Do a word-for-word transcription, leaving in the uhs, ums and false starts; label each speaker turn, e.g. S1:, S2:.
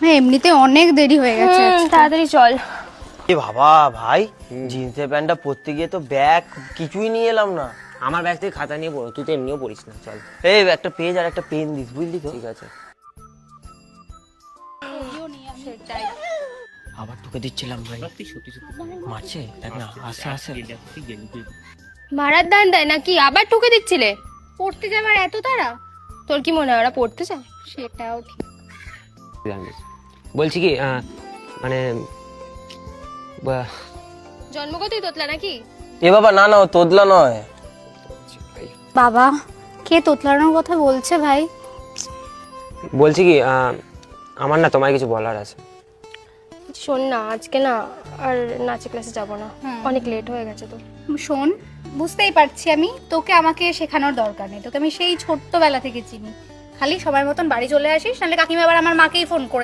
S1: হ্যাঁ এমনিতে অনেক দেরি হয়ে গেছে।
S2: তাড়াতাড়ি চল।
S3: এ বাবা ভাই, জিন্সের প্যান্টটা পরতে গিয়ে তো ব্যাগ কিছুই নিয়ে এলাম না।
S4: আমার ব্যাগ থেকে খাতা নিয়ে পড়ো, তুই তো এমনিও পড়িস না। চল
S3: এই একটা পেজ আর একটা পেন দিস, বুঝলি তো?
S4: ঠিক আছে। আবার তোকে দিচ্ছিলাম ভাই, মারছে দেখ না, আসে আসে।
S2: ভাড়ার দান দেয় নাকি? আবার ঠুকে দিচ্ছিলে?
S1: পড়তে যাবার এত তাড়া?
S2: তোর কি মনে হয় ওরা পড়তে চায়?
S1: সেটাও ঠিক।
S4: বলছি কি আহ, মানে বা-
S2: জন্মগতই তোতলা নাকি?
S3: এ বাবা না না, ও তোদলা নয়।
S1: বাবা কে তোতলানোর কথা বলছে ভাই?
S4: বলছি কি আহ, আমার না তোমায় কিছু বলার আছে।
S2: শোন না, আজকে না আর নাচে ক্লাসে যাব না, অনেক লেট হয়ে গেছে তো।
S1: শোন, বুঝতেই পারছি আমি, তোকে আমাকে শেখানোর দরকার নেই, তোকে আমি সেই ছোট্টবেলা থেকে চিনি। খালি সময় মতন বাড়ি চলে আসিস, নাহলে কাকিমা আবার আমার মাকেই ফোন করে